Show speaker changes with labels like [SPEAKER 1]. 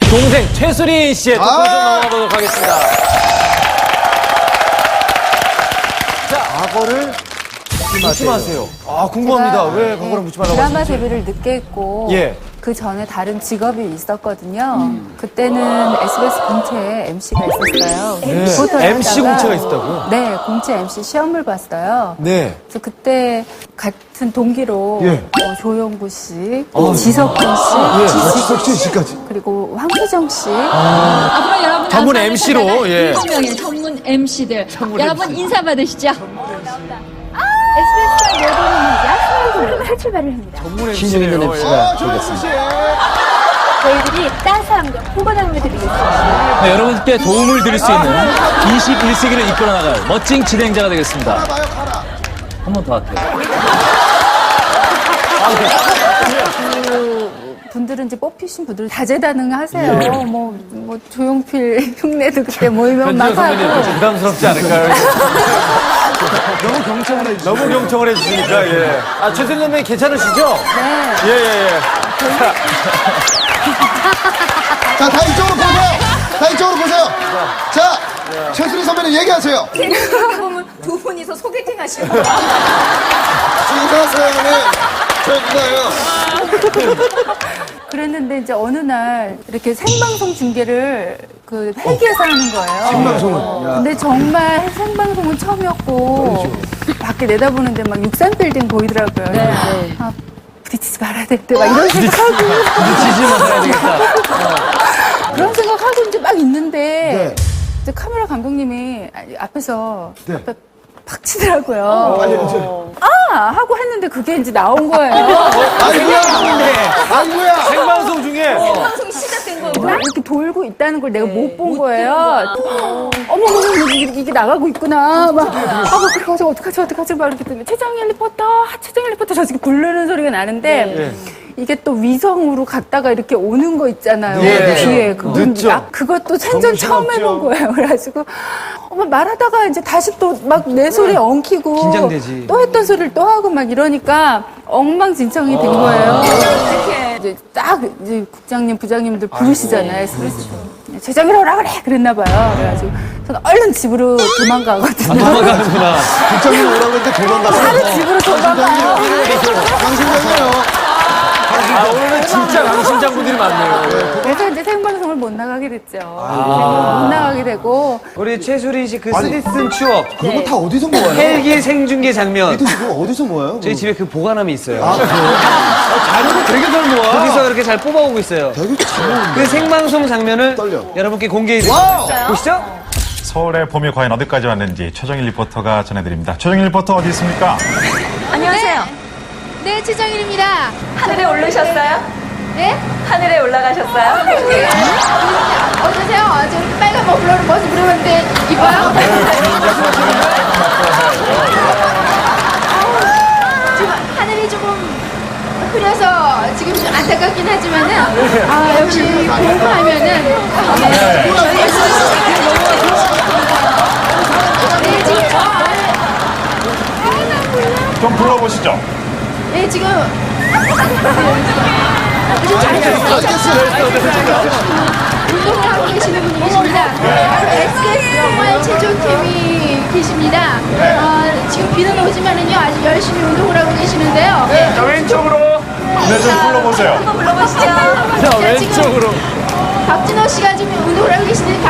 [SPEAKER 1] 동생 최수린 씨의 토크쇼 넘어가보도록 하겠습니다. 자, 과거를 묻지 마세요. 아, 궁금합니다. 왜 과거를 묻지 말라고
[SPEAKER 2] 드라마
[SPEAKER 1] 하시는지.
[SPEAKER 2] 데뷔를 늦게 했고
[SPEAKER 1] 예.
[SPEAKER 2] 그 전에 다른 직업이 있었거든요. 그때는 SBS 공채에 MC가 있었어요. 리포터를
[SPEAKER 1] MC
[SPEAKER 2] 하다가
[SPEAKER 1] 공채가 있었다고요?
[SPEAKER 2] 네, 공채 MC 시험을 봤어요.
[SPEAKER 1] 네.
[SPEAKER 2] 그래서 그때 같은 동기로
[SPEAKER 1] 예.
[SPEAKER 2] 조용구 씨, 지석준 씨,
[SPEAKER 3] 지석 씨 씨까지.
[SPEAKER 2] 그리고 황수정 씨.
[SPEAKER 4] 앞으로 여러분
[SPEAKER 1] 전문
[SPEAKER 4] 앞으로
[SPEAKER 1] MC 로,
[SPEAKER 4] 찾아갈
[SPEAKER 1] 예.
[SPEAKER 4] 7명의 전문 MC들 여러분 인사 받으시죠.
[SPEAKER 2] SBS가 여러분입니다. 새 출발을 합니다.
[SPEAKER 1] 전문
[SPEAKER 5] 신중 있는
[SPEAKER 1] MC네요.
[SPEAKER 5] MC가
[SPEAKER 2] 저희들이 따스함과 포근함을 드리겠습니다.
[SPEAKER 1] 네, 여러분께 도움을 드릴 수 있는 21세기를 이끌어 나갈 멋진 진행자가 되겠습니다. 한 번 더 할게요.
[SPEAKER 2] 분들은 이제 뽑히신 분들 다재다능하세요. 뭐 조용필 흉내도 그때 모이면 막 하고.
[SPEAKER 1] 부담스럽지 않을까요? 너무 경청을 해주시니까, 예. 아, 최수린 선배님 괜찮으시죠?
[SPEAKER 2] 네.
[SPEAKER 1] 예, 예, 예.
[SPEAKER 3] 자, 다 이쪽으로 보세요. 다 이쪽으로 보세요. 자, 최수리 선배님 얘기하세요.
[SPEAKER 2] 보면 두 분이서 소개팅 하시는 거.
[SPEAKER 3] 지나서는 저 누나예요.
[SPEAKER 2] 그랬는데 이제 어느 날 이렇게 생방송 중계를 그 헬기에서 하는 거예요.
[SPEAKER 3] 생방송을.
[SPEAKER 2] 근데 정말 생방송은 처음이었고 밖에 내다보는데 막 63빌딩 보이더라고요. 아, 부딪히지 말아야 되는데 막 이런 생각하고
[SPEAKER 1] 부딪히지 말아야 되겠다.
[SPEAKER 2] 그런 생각하고 이제 막 있는데
[SPEAKER 3] 네.
[SPEAKER 2] 이제 카메라 감독님이 앞에서
[SPEAKER 3] 네.
[SPEAKER 2] 앞에 팍 치더라고요. 아! 하고 했는데 그게 이제 나온 거예요.
[SPEAKER 3] 아이고야. 아이고야.
[SPEAKER 1] 생방송 중에.
[SPEAKER 2] 방송이 시작된 거예요. 이렇게 돌고 있다는 걸 내가 못 본 거예요. 어머, 이게 나가고 있구나. 막, 어떡하지, 막 이렇게 뜨면 최정일 리포터, 저 지금 부르는 소리가 나는데, 이게 또 위성으로 갔다가 이렇게 오는 거 있잖아요.
[SPEAKER 1] 예.
[SPEAKER 2] 뒤에.
[SPEAKER 1] 늦죠.
[SPEAKER 2] 그것도 생전 처음 해본 거예요. 그래가지고, 말하다가 이제 다시 또 막 내 소리 엉키고.
[SPEAKER 5] 긴장되지.
[SPEAKER 2] 또 했던 소리를 또 하고 막 이러니까 엉망진창이 된 거예요. 이제 딱 이제 국장님, 부장님들 부르시잖아요. 그래서 재정이라 오라 그래! 그랬나 봐요. 그래가지고 저는 얼른 집으로 도망가거든요.
[SPEAKER 1] 도망가는구나.
[SPEAKER 3] 국장님 오라고 했는데 도망갔어.
[SPEAKER 2] 바로 집으로 도망가요.
[SPEAKER 3] 강심장이에요.
[SPEAKER 1] 아, 오늘은 진짜 강심장분들이 많네요.
[SPEAKER 2] 그래서 이제 생방송을 못 나가게 됐죠. 못 나가게 되고.
[SPEAKER 5] 우리 최수린 씨 그 쓰디쓴 추억
[SPEAKER 3] 그런 거 다 어디서 모아요?
[SPEAKER 5] 헬기 생중계 장면
[SPEAKER 3] 이도 지금 어디서 모아요?
[SPEAKER 5] 저희 집에 그 보관함이 있어요.
[SPEAKER 1] 자료를 되게 잘 모아.
[SPEAKER 5] 거기서 그렇게 잘 뽑아오고 있어요.
[SPEAKER 3] 되게 잘 모으는데.
[SPEAKER 5] 그 생방송 장면을
[SPEAKER 3] 떨려.
[SPEAKER 5] 여러분께 공개해드립니다. 보시죠.
[SPEAKER 6] 서울의 봄이 과연 어디까지 왔는지 최정일 리포터가 전해드립니다. 최정일 리포터 어디 있습니까?
[SPEAKER 4] 안녕하세요. 네, 최정일입니다.
[SPEAKER 7] 하늘에 오르셨어요?
[SPEAKER 4] 네?
[SPEAKER 7] 하늘에 올라가셨어요?
[SPEAKER 4] 어떠세요? 저 빨간 머플러를 벗어 부르는데 이뻐요? 지금 하늘이 조금 흐려서 지금 좀 안타깝긴 하지만은 역시 공부하면은 네, 지금
[SPEAKER 6] 좀 불러보시죠.
[SPEAKER 4] 네, 지금 운동을 하고 계시는 분이 계십니다. SBS 영화의 최종팀이 계십니다. 지금 비는 오지만은요, 아주 열심히 운동을 하고 계시는데요.
[SPEAKER 6] 자, 왼쪽으로. 네, 좀 불러보세요.
[SPEAKER 7] 한번 불러보시죠.
[SPEAKER 1] 자, 왼쪽으로.
[SPEAKER 4] 박진호 씨가 지금 운동을 하고 계시는데